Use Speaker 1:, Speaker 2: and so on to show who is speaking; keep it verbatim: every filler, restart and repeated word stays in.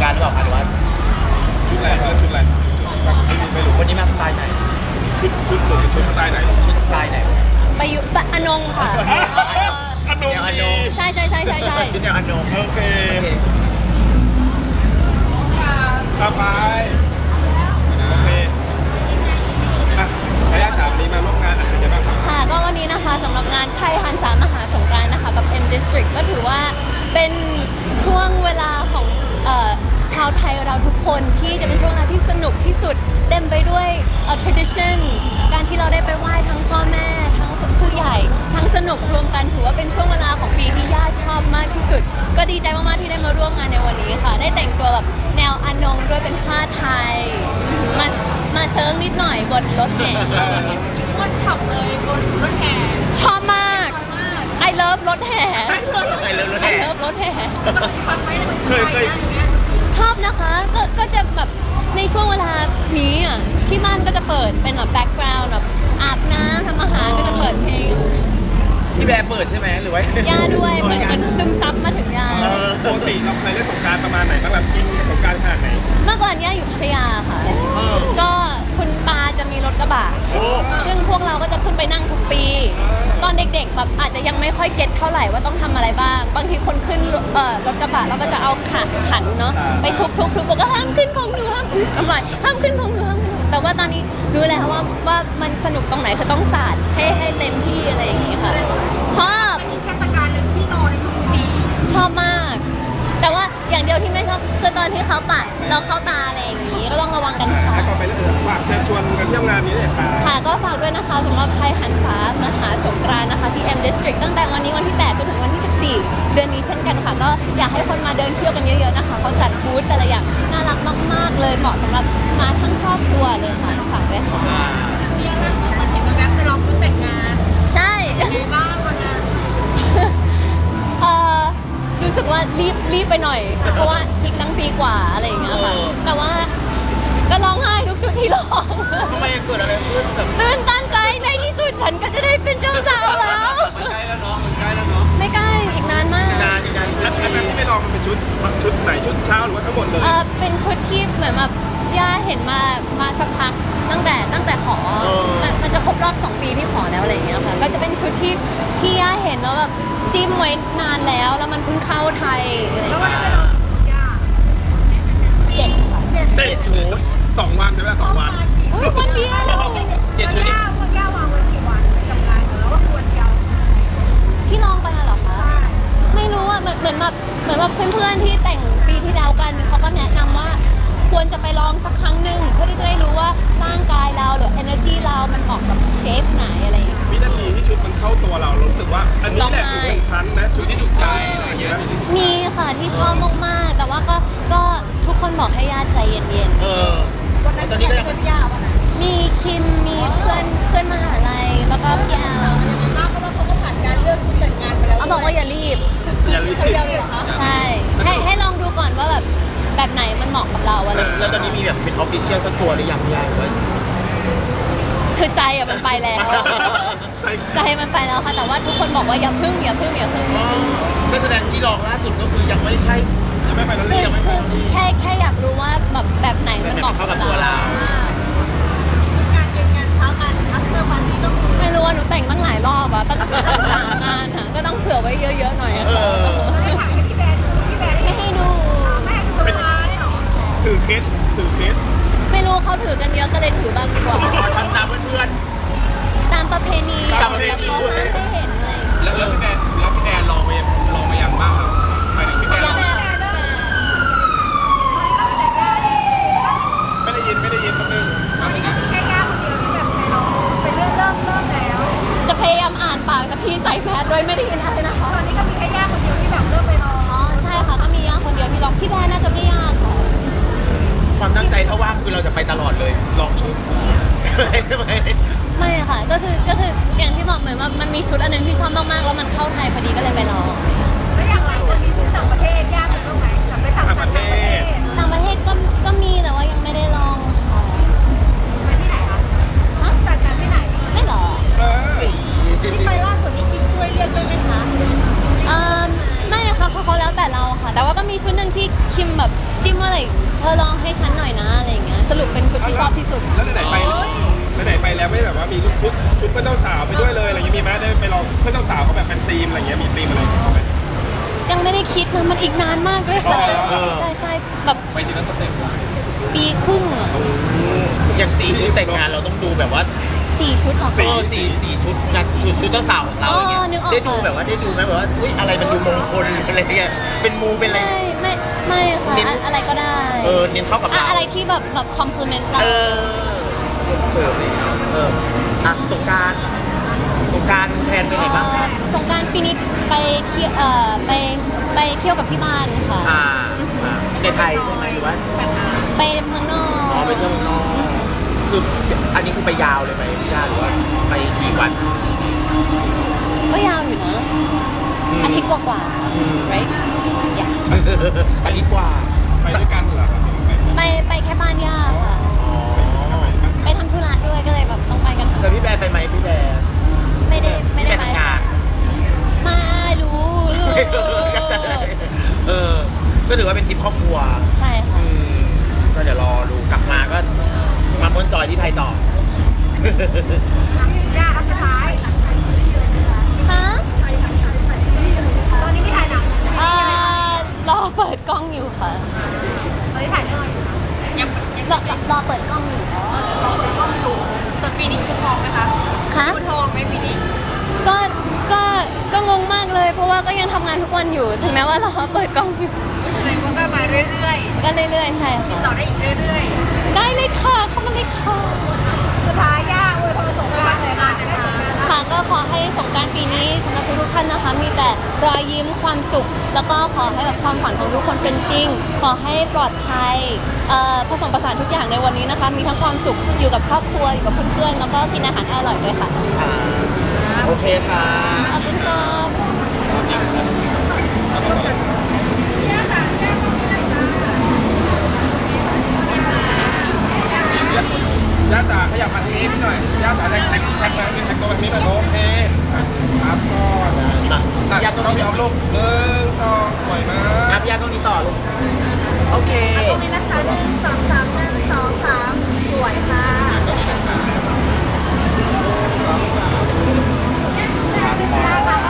Speaker 1: รานต์หรือเปล่าคะหรือว่า
Speaker 2: ชุดอะไรคะชุดอะไรไม่รู้
Speaker 1: วันนี้มาสไตล์ไหน
Speaker 2: ชุดชุดหรือชุดสไตล์ไหน
Speaker 1: ชุดสไตล์ไหน
Speaker 3: ไปอยู่ปะอนงค่ะ
Speaker 2: อนงดี
Speaker 3: ใช่ใช่ใช่ใช่ใช่
Speaker 1: ชุดแนวอนง
Speaker 2: โอเคต่อไปโอเคอ่ะขออนุญาตถามวันนี้มาร่วมงานอะไรกันบ้างครับ
Speaker 3: ค่ะก็วันนี้นะคะสำหรับงานไทยฮันสามหาสงกรานต์นะคะกับ M District ก็ถือว่าเป็นช่วงเวลาของเอ่อชาวไทยเราทุกคนที่จะเป็นช่วงเวลาที่สนุกที่สุดเต็มไปด้วยเอ่อ tradition การที่เราได้ไปไหว้ทั้งพ่อแม่ทั้งผู้ใหญ่ทั้งสนุกรวมกันถือว่าเป็นช่วงเวลาของปีที่ย่าชอบมากที่สุดก็ดีใจมากๆที่ได้มาร่วมงานในวันนี้ค่ะได้แต่งตัวแบบแนวอนงด้วยเป็นผ้าไทยมามาเซิร์งนิดหน่อยบนรถแห่
Speaker 4: ม้วนฉับเลยบนรถแห่
Speaker 3: ชอบมาก I love รถแห่
Speaker 1: I love รถ
Speaker 3: I
Speaker 1: แห่
Speaker 3: love รถแห่
Speaker 2: เคยเคย
Speaker 3: ชอบนะคะก็ก็จะแบบในช่วงเวลานี้อ่ะที่บ้านก็จะเปิดเป็นแบบแบ็กกราวด์แบบอาบน้ำทำอาหารก็จะเปิดเพลง
Speaker 1: พี่แบร์เปิดใช่ไหมหรือว่า
Speaker 3: ย่าด้วยเหมือนมันซึมซับมาถึงย่า
Speaker 2: ปกติเราเคยเล่นสงกรานต์ประมาณไหนบ้างแบบกินสงกรานต์ขนาดไหน
Speaker 3: เมื่อก่อนย่าอยู่พัทยาค่ะก็คุณปาจะมีรถกระบะซึ่งพวกเราก็จะขึ้นไปนั่งทุกปีตอนเด็กๆแบบอาจจะยังไม่ค่อยเก็ตเท่าไหร่ว่าต้องทำอะไรบ้างบางทีคนขึ้นเอ่อรถกระบะเราก็จะเอาขันขันเนาะไปทุบๆๆบอกว่าห้ามขึ้นของหนูห้ามทำไรห้ามขึ้นของหนูห้ามขึ้นของหนูแต่ว่าตอนนี้รู้แล้วว่าว่ามันสนุกตรงไหนคือต้องสาดให้ให้เต็มที่อะไรอย่างงี้ค่ะชอบ
Speaker 4: มีเทศกาลหนึ่งที่นอนทุกปี
Speaker 3: ชอบมาก แต่ว่าอย่างเดียวที่ไม่ชอบคือตอนที่เขาปัดเราเข้าตาอะไรอย่างนี้ก็ต้องระวังกันค่ะ
Speaker 2: แล้วก็ไปเรื่องฝากเชิญชวนกันเที่ยวงานนี้เลยค่ะ
Speaker 3: ค่ะก็ฝากด้วยนะคะสำหรับไทยหันษามหาสงกรานต์นะคะที่ M District ตั้งแต่วันนี้วันที่แปดจนถึงวันที่สิบสี่เดือนนี้เช่นกันค่ะก็อยากให้คนมาเดินเที่ยวกันเยอะๆนะคะเขาจัดบูธแต่ละอย่างน่ารักมากๆเลยเหมาะสำหรับมาทั้งครอบครัวเลยค่ะฝากด้วยค่ะ
Speaker 4: มีอะไรบ้างมันเห็นแว๊บไปลองชุดแต่งงาน
Speaker 3: ใช่
Speaker 4: มีบ้างวันนั้น
Speaker 3: เอ่อรู้สึกว่ารีบรีบไปหน่อยเพราะว่าอีกตั้งปีกว่าอะไรอย่างเงี้ยค่ะแต่ว่าก็ร้องไห้ทุกชุดที่ร้อง
Speaker 1: ทำไมเกิดอะไรขึ้นแบบ
Speaker 3: ตื่นตันใจในที่สุดฉันก็จะได้เป็นเจ้าสาวแล้ว
Speaker 2: มันใกล้แล้วเนาะมันใกล้แล้วเนาะ
Speaker 3: ไม่ใกล้อีกนานมาก
Speaker 1: นานอีกนาน
Speaker 2: อันนั้นที่ไม่ลองมันเป็นชุดชุดไหนชุดเช้าหรือว่าทั้งหมดเลย
Speaker 3: เออเป็นชุดที่เหมือนแบบย่าเห็นมามาสักพักตั้งแต่ตั้งแต่ขอมันมันจะครบรอบสองปีที่ขอแล้วอะไรอย่างเงี้ยค่ะก็จะเป็นชุดที่ที่ย่าเห็นแล้วแบบจิ้มไว้นานแล้วแล้วมันเพิ่งเข้าไทยอะไรอย่างเงี้ยเจ็ดค่ะ
Speaker 2: เจ็ดชุดสองวันใช่ไหมสองวัน
Speaker 3: วันเดียว
Speaker 1: เจ็ดชุดนี่
Speaker 4: วันย่าวางไว้กี่วันกับงานแล้วว่าควรยาว
Speaker 3: ที่ลองไปเหรอคะไม่รู้อ่ะเหมือนเหมือนแบบเหมือนแบบเพื่อนๆที่แต่งปีที่แล้วกันเขาก็แนะนำว่าควรจะไปลองสักครั้งหนึ่งเพื่อที่จะได้รู้ว่าร่างกายเราหรือ energy เรามันเหมาะกับเชฟไหนอะไรอย่างเงี้ย
Speaker 2: วินาทีที่ชุดมันเข้าตัวเรารู้สึกว่าอันนี้แหละชุดของฉันนะชุดที่ถูกใจอะไรอย่างเงี้ย
Speaker 3: มีค่ะที่ชอบมากๆแต่ว่าก็ก็ทุกคนบอกให้ญาติใจเย็นๆ
Speaker 1: เออ
Speaker 4: วันนั้นตอนนี้ก็ยังเป็นยาวันนั้น
Speaker 3: มีคิมมีเพื่อนเพื่อนมหาลัยแล้วก็พี่แอล
Speaker 4: มากเพราะว่าเขาก็ผ่านการเลือกชุดแต่งงานไปแล้ว
Speaker 3: เขาบอกว่าอย่ารีบ
Speaker 2: อย่ารีบ
Speaker 3: ใช่ให้ให้ลองดูก่อนว่าแบบแบบไหนมันเหมาะกับเราอะไร
Speaker 1: แล้วตอนนี้มีแบบเป็นออฟฟิเชียลสักตัวหรือยังยังว่า
Speaker 3: คือใจอะมันไปแล้วใจมันไปแล้วค่ะแต่ว่าทุกคนบอกว่าอย่าพึ่งอย่าพึ่งอย่าพึ่ง
Speaker 1: ก็แสดงที่ลองล่าสุดก็คือยังไม่ใช่
Speaker 2: ยังไม่ไปแล้ว
Speaker 3: ยังไม่ไปแค่แค่อยากรู้ว่าแบบแบบไหนมันเหมาะกับเรา
Speaker 4: ใช่งานเย็นงานเช้างานอัพเตอร์ปาร์ตี้ก็คือ
Speaker 3: ไม่รู้ว่าหนูแต่งตั้งหลายรอบอะตั้งสามงานอะก็ต้องเผื่อไว้เยอะๆหน่อยอะ
Speaker 4: ให้ถ่ายให้พี่แบนพี่แบน
Speaker 3: ไม่ให้ดู
Speaker 4: ไม่ให้ดูมาได้หรอ
Speaker 2: ถือเคสถือเคส
Speaker 3: ไม่รู้เขาถือกันเยอะก็เลยถือบ้างดีกว่า
Speaker 1: ทำตามเพื่อน
Speaker 3: ตามประเพณี
Speaker 1: ตามประเพณี
Speaker 3: เขาห้ามให้เห็นอะไร
Speaker 2: แล้วแล้วพี่แอนแล้วพี่แอนลองไปลองไปอย่างบ้างครับไปถึงพี่แอนไม่ได้ยินไม่ได้ยินแป๊บนึง
Speaker 4: แค่ย่าคนเดียวที่แบบเราเป็นเรื่องเริ่มเริ่มแล้ว
Speaker 3: จะพยายามอ่านปากกับพี่ใส่แมสโดยไม่ได้ยินอะไรนะคะ
Speaker 4: ตอนนี้ก็มีแค่ย่าคนเดียวที่แบบเริ่มไปลอง
Speaker 3: อ๋อใช่ค่ะก็มีย่าคนเดียวที่ลองพี่แบนน่าจะไม่ยากค่ะ
Speaker 1: ความตั้งใจถ้าว่างคือเราจะไปตลอดเลยลองชุดใช่ไหม
Speaker 3: ไม่ค่ะก็คือก็คืออย่างที่บอกเหมือนว่ามันมีชุดอันนึงที่ชอบมากๆแล้วมันเข้าไทยพอดีก็เลยไปลอง
Speaker 4: แล้วอย่างไรคนมีชุดต่างประเทศยากตรงไหนกลับไปต่างประเทศ
Speaker 3: ต่างประเทศก็ก็มีแต่ว่ายังไม่ได้ลองค่ะ
Speaker 4: ไปที่ไหนคะฮะจัดการที่ไหน
Speaker 3: ไม่หรอ
Speaker 4: ที่ไปล่าสุดนี้คิมช่วยเลือกด้วยไหมคะ
Speaker 3: เอ่อไม่ค่ะเขาเขาแล้วแต่เราค่ะแต่ว่าก็มีชุดหนึ่งที่คิมแบบจิ้มว่าอะไรอลองให้ฉันหน่อยนะอะไรอย่างเงี้ยสรุปเป็นชุดที่ชอบที่สุด
Speaker 2: แล้วไหนๆไปไหนๆไปแล้วไม่แบบว่ามีชุดชุดเพื่อนเจ้าสาวไปด้วยเลยอะไรอย่างเงี้ยมีไหมได้ไปลองเพื่อนเจ้าสาวเขาแบบเป็นธีมอะไรเงี้ยมีธีมอะไรเขาไหม
Speaker 3: ยังไม่ได้คิดนะมันอีกนานมากเลยค่ะ
Speaker 2: อ๋อ
Speaker 3: ใช่ใช่แบบ
Speaker 2: ไปทีละสเต็ป
Speaker 3: ปีครึ่งอะ
Speaker 1: อย่างสีชุดแต่งงานเราต้องดูแบบว่า
Speaker 3: สี่ชุดเหรอ
Speaker 1: เอ
Speaker 3: คะ
Speaker 1: อสีสีชุดงานชุดชุดเจ้าสาวของเราอย่างเงี้
Speaker 3: อ๋อนึกออก
Speaker 1: ได้ดู
Speaker 3: ค่ะ
Speaker 1: แบบว่าได้ดูไหมแบบว่าอุ้ยอะไรมันดูมงคลอะไรเงี้ยเป็นมูเป็นอะไร
Speaker 3: ไม่ไม่ไม่ค่ะ
Speaker 1: เน้น
Speaker 3: อะอะไรก็ได้
Speaker 1: เออเน้นเข้ากับ
Speaker 3: อะ
Speaker 1: เรา
Speaker 3: อะไรที่แบบแบบคอมพลีเมนต์เรา
Speaker 1: เออเสริมดีเอออ่ะสงกรารสงกรารแทนไปไหนบ้างคะ
Speaker 3: สงกรารปีนี้ไปเที่ยวเอ่อไปไปเที่ยวกับที่บ้านค่ะ
Speaker 1: อ่าอ่าในไทยใช่ไหมหรือว่า
Speaker 3: ไปเมืองนอก
Speaker 1: อ๋อไปเที่ยวเมืองนอกคืออันนี้คือไปยาวเลยไหมพี่ยาหรือว่าไปกี่วัน
Speaker 3: ก็ยาวอยู่นะ อาทิตย์กว่าๆ right yeah
Speaker 1: อันนี้กว่า
Speaker 2: ไปด้วยกันเหรอครับ
Speaker 3: ไปไปแค่บ้านย่าค่ะ
Speaker 1: อ๋อ
Speaker 3: ไปทำธุระด้วยก็เลยแบบต้องไปกันทั้ง
Speaker 1: แต่พี่แบร์ไปไหมพี่แบร์
Speaker 3: ไม่ได้ไม่
Speaker 1: พี่แบ
Speaker 3: ได้
Speaker 1: ร์
Speaker 3: ไป
Speaker 1: ทำงาน
Speaker 3: มารู้
Speaker 1: เออ ก็ถือว่าเป็นทริปครอบครัว
Speaker 3: ใช่ค่ะ
Speaker 1: อืมก็เดี๋ยวรอดูกลับมาก็มาม้วนจอยที่ไทยต่อ
Speaker 4: ย่าอันสุดท้าย
Speaker 3: ฮะ
Speaker 4: ตอนนี้ไม่ถ่ายหนัง
Speaker 3: อ่ารอเปิดกล้องอยู่ค่ะ
Speaker 4: ตอนนี้ถ่ายเรื่องอะไรอยู่คะยัง
Speaker 3: รอรอรอเปิดกล้องอยู่
Speaker 4: รอเปิดกล้องอยู่ส่วนปีนี้คือทองไหมคะ
Speaker 3: คะ
Speaker 4: คือทองไหมปีนี้
Speaker 3: ก็ก็ก็งงมากเลย เพราะว่าก็ยังทำงานทุกวันอยู่ ถึงแม้ว่ารอเปิดกล้องอยู่
Speaker 4: แสดงว่าก็มาเรื่อย
Speaker 3: ก็เรื่อยๆ ใช่
Speaker 4: ๆ
Speaker 3: ค่ะ
Speaker 4: ต่อได้อีกเรื่อย
Speaker 3: ได้เลยค่ะ เข้ามาเลยค่ะ
Speaker 4: ๆสุดท้ายย่าอวยพรสงกรานต์เลยค่ะ
Speaker 3: ค่ะก็ขอให้สงกรานต์ปีนี้สำหรับทุกๆท่านนะคะ มีแต่รอยยิ้มความสุข แล้วก็ขอให้แบบความฝันของทุกคนเป็นจริง ขอให้ปลอดภัยเอ่อผสมผสานทุกอย่างในวันนี้นะคะ มีทั้งความสุขอยู่กับครอบครัวอยู่กับเพื่อนๆ แล้วก็กินอาหารอร่อยด้วยค่ะ
Speaker 1: อ่าโอเคค่ะ
Speaker 3: ขอบคุณค่ะ
Speaker 2: ย่าจ๋าขยับมาทางนี้พี่หน่อยย่าจ๋าแท็กแท็กแท็กแท็กแท็กตัวแบบนี้หน่อยโอเคครับก็
Speaker 1: อ่ะพี่ยา
Speaker 2: ต้
Speaker 1: ต้
Speaker 2: อ
Speaker 1: อง ง
Speaker 2: มี
Speaker 1: มี
Speaker 2: เอาลูกหนึ่งสองสวยมาก
Speaker 1: อ่ะพี่ยาต้องมีต่อลูกโอเค
Speaker 4: ตรงนี้นะคะหนึ่งสองสามหนึ่งสองสามสวยค่ะย่าค่ะ